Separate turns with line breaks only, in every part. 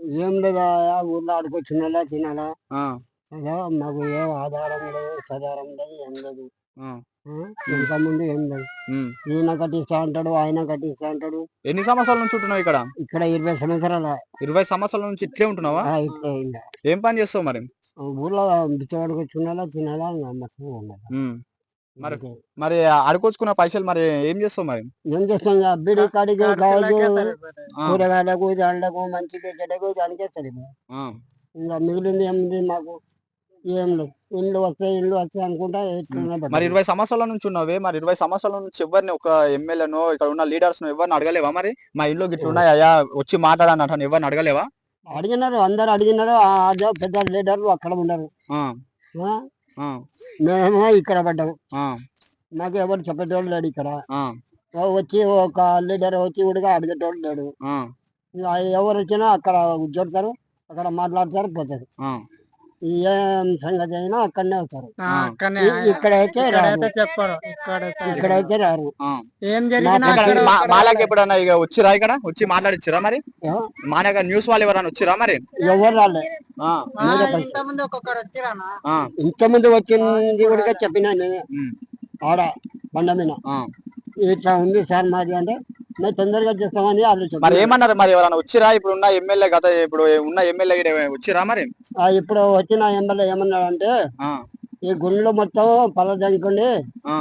ఏం లేదా ఊర్లో ఆడుకొచ్చినలా తినాలా.
ఆ!
అదా మాకు ఏం ఆధారం లేదు, సదారం లేదు, ఏం లేదు.
ఆ!
ఆ!
హ్మ్.
ఇంకా ముందు ఏం లేదు.
హ్మ్.
ఈయన కట్టిస్తా అంటాడు, ఆయన కట్టిస్తా అంటాడు.
ఎన్ని సంవత్సరాల నుంచి ఉంటున్నావు ఇక్కడ?
ఇక్కడ 20 సంవత్సరాల.
20 సంవత్సరాల నుంచి ఇట్లే ఉంటున్నావా?
ఇట్లే ఇంక.
ఏం పని చేస్తావు మరి?
ఊర్లో బిచ్చగాడుకొచ్చుకునేలా తినాలా, ఇంక మస్తుగా ఉండాలి.
హ్మ్. మరి
అంతే.
మరి అడుకొచ్చుకున్న పైసలు మరి ఏం చేస్తావు మరి?
ఏం చేస్తాం ఇంక బీడీ కాడికి కావచ్చు,
ఆ!
కూరగాయలకు, దాండ్లకు, మంచికి, చెడ్డకు దానికే సరిపోయి.
ఆ!
ఇంక మిగిలింది ఏముంది మాకు? ఏం లేదు. ఇల్లు వస్తాయి అనుకుంటా ఎట్లనే
మరి
బతకాలి.
20 సంవత్సరాల నుంచి ఉన్నావే, మరి 20 సంవత్సరాల నుంచి ఎవ్వరిని ఒక ఎమ్మెల్యేనో, ఇక్కడ ఉన్న లీడర్స్‌నో ఎవ్వరిని అడగలేవా మరి? మా ఇల్లు గిట్లున్నాయయ్యా వచ్చి మాట్లాడండి అటని ఎవ్వరిని అడగలేవా?
అడిగినారు, అందరూ అడిగినారు. అదే పెద్ద లీడర్లు అక్కడ ఉండరు.
ఆ!
ఆ!
ఆ!
మేమేమో ఇక్కడ పడ్డాం.
ఆ!
మాకు ఎవరు చెప్పేటోళ్ళు లేడు ఇక్కడ.
ఆ!
వచ్చి ఒక లీడర్ వచ్చి కూడా అడిగేటోళ్ళు లేడు.
ఆ!
ఇగ ఎవరొచ్చినా అక్కడ కూర్చోడతారు, అక్కడ మాట్లాడతారు, పోతారు.
ఆ!
ఏం సంగతి అయినా అక్కడనే వస్తారు.
అక్కడనే
ఇక్కడైతే రారు.
చెప్పరు.
ఇక్కడైతే రారు.
ఆ!
ఏం జరిగినా
మాకు
ఇక్కడ మాలాకి ఎప్పుడన్నా ఇగ వచ్చిర్రా ఇక్కడ? వచ్చి మాట్లాడిచ్చిర్రా మరి?
ఆ!
మా దగ్గర న్యూస్ వాళ్ళు ఎవరైనా వచ్చిర్రా మరి?
ఎవరు రాలే.
ఆ!
మీరే ఫస్ట్.
ఇంతకుముందు ఒక్కొక్కరు వచ్చిరానా?
ఆ!
ఇంతకుముందు వచ్చింది కూడా చెప్పినా నేను
హ్మ్.
ఆడ బండ మీద.
ఆ!
ఇట్లా ఉంది సార్ మాది అంటే, మేము తొందరగా చేస్తామని వాళ్ళు
మరి
చెప్పినారు.
ఏమన్నారు మరి ఎవరైనా వచ్చిర్రా? ఇప్పుడున్న ఎమ్మెల్యే ఇప్పుడు ఉన్న ఎమ్మెల్యే గిన వచ్చిర్రా మరి?
ఇప్పుడు వచ్చిన ఎమ్మెల్యే ఏమన్నాడంటే,
ఆ!
ఈ గుండ్లు మొత్తం పలదనుకోండి,
ఆ!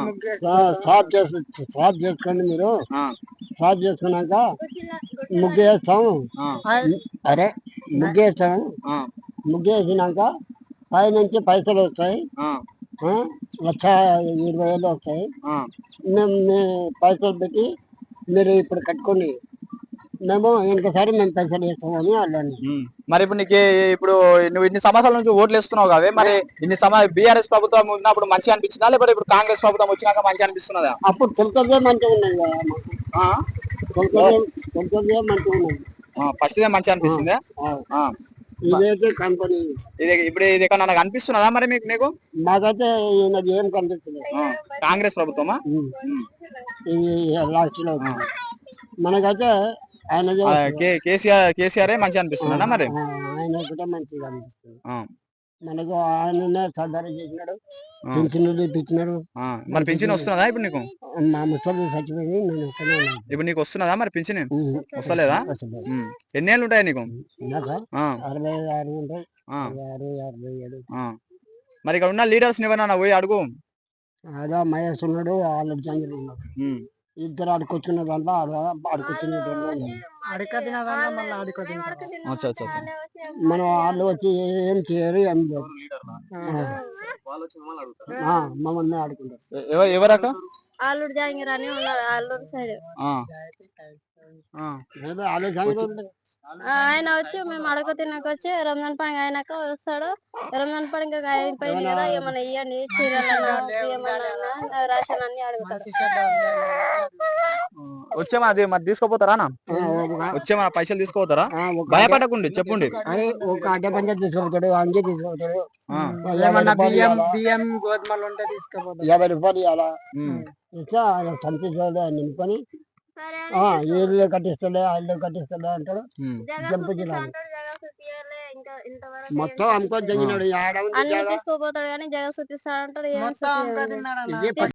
సాఫ్ చేసుకోండి మీరు.
ఆ!
సాఫ్ చేసుకున్నాక ముగ్గేస్తాం.
ఆ!
అరే ముగ్గేస్తాం.
ఆ!
ముగ్గేసినాక పైనుంచి పైసలు వస్తాయి.
ఆ!
1,20,000 వస్తాయి.
ఆ!
మేము మీ పైసలు పెట్టి మీరు ఇప్పుడు కట్టుకోండి. మేము ఇంకోసారి మేము పైసలు ఇస్తామని వాళ్ళని.
హ్మ్. మరి ఇప్పుడు ఇప్పుడు నువ్వు ఇన్ని సంవత్సరాల నుంచి ఓట్లేస్తున్నావు కావే, మరి ఇన్ని బీఆర్ఎస్ ప్రభుత్వం ఉన్నప్పుడు మంచిగా అనిపించిందా? లేకపోతే ఇప్పుడు కాంగ్రెస్ ప్రభుత్వం వచ్చినాక మంచిగా అనిపిస్తున్నదా?
అప్పుడు తొలకదే మంచిగా ఉన్నది కదా మాకు.
ఆ!
తొలకదే మంచిగా ఉన్నది.
ఫస్ట్‌దే మంచిగా అనిపిస్తుందా?
ఆ,
ఆ! మ
ఇదైతే కంపెనీ
ఇది ఎక్కడన్నా కనిపిస్తున్నదా మరి నీకు?
మాకైతే ఈయనది ఏం కనిపిస్తలేదు.
ఆ! కాంగ్రెస్ ప్రభుత్వమా?
ఉమ్.
హ్మ్.
ఇది లాస్ట్లో
ఆ!
మనకైతే ఆయనదే
ఆ!
వస్తుంది.
కేసీఆరే మంచిగా అనిపిస్తున్నదా మరి?
ఆయన ఒకటే మంచిగా అనిపిస్తుంది.
ఆ!
మనకు ఆయననే సర్దారు చేసినాడు,
ఆ!
పింఛన్లు ఇప్పించినాడు.
ఆ! మరి పింఛన్ వస్తున్నదా ఇప్పుడు నీకు?
మా ముసలి చచ్చిపోయింది, నేను ఒక్కనే ఉన్నాను.
ఇప్పుడు నీకు వస్తున్నదా మరి పింఛన్?
ఉమ్.
వస్తలేదా?
అసలు
హ్మ్. ఎన్నేళ్ళు ఉంటాయి నీకు?
నాకా
ఆ!
66 ఉంటాయి.
ఆ!
66, 57.
ఆ! మరి ఇక్కడ ఉన్న లీడర్స్‌ని ఎవరైనా పోయి అడుగు.
అదా మహేష్ ఉన్నాడు, ఆళ్ళ జంగిల్ ఉన్నాడు.
హ్మ్.
ఇద్దరు ఆడుకొచ్చిన దాంట్లో ఆడుకొచ్చినటువంటి
అడిక తినదన్నా మళ్ళీ అడిక తింటారా?
అచ్చా! అచ్చా! అచ్చా!
మనం వాళ్ళు వచ్చి ఏం చేయరు, ఏం చేయరు. మమ్మల్ని ఆడుకుంటారు.
ఎవరక్క?
ఆలూరు జాంగీర్ అని ఉన్నారు ఆలూరు సైడ్.
ఆ! ఆ!
ఏదో ఆళ్ళు జంగిల్
వచ్చి
ఉంటారు.
ఆయన వచ్చి మేము అడగ తినక వచ్చి రంజాన్ పండుగ అయినాక వస్తాడు. రంజాన్ పండుగ అయిపోయింది కదా ఏమన్నా ఇవ్వండి చీరలన్నా ఏమన్నా రేషన్ అన్ని అడుగుతాడు.
వచ్చేమా అది మరి తీసుకోపోతారా అన్న? వచ్చేమా పైసలు తీసుకోపోతారా? భయపడకండి చెప్పండి.
అరే ఒక అడ్డ పంచ తీసుకుపోతాడు, అంగే తీసుకుపోతాడు.
ఆ!
ఏమన్నా బియ్యం గోధుమలు ఉంటే తీసుకోపోతారు.
50 రూపాయలు ఇవ్వాలా.
హ్మ్.
ఇట్లా ఆయన సంతోషాలు నింపుకొని
సరే
ఇల్లు కట్టిస్తలే, ఆ ఇల్లు కట్టిస్తలే అంటాడు.
హ్మ్.
జగన్
జంపు
చూపిస్తా
జిల్లాలు
అంటాడు. జగన్ చూపియలే ఇంకా ఇంతవరకు
మొత్తం అమ్ముకొని
ఆ!
తెంగినాడు. ఆడ ఉంది
అన్ని
జాగా.
తీసుకోపోతాడు కానీ జగన్ చూపిస్తా అంటాడు. ఏం
మొత్తం
చూపియడు.
తిన్నారన్న.
ఇదే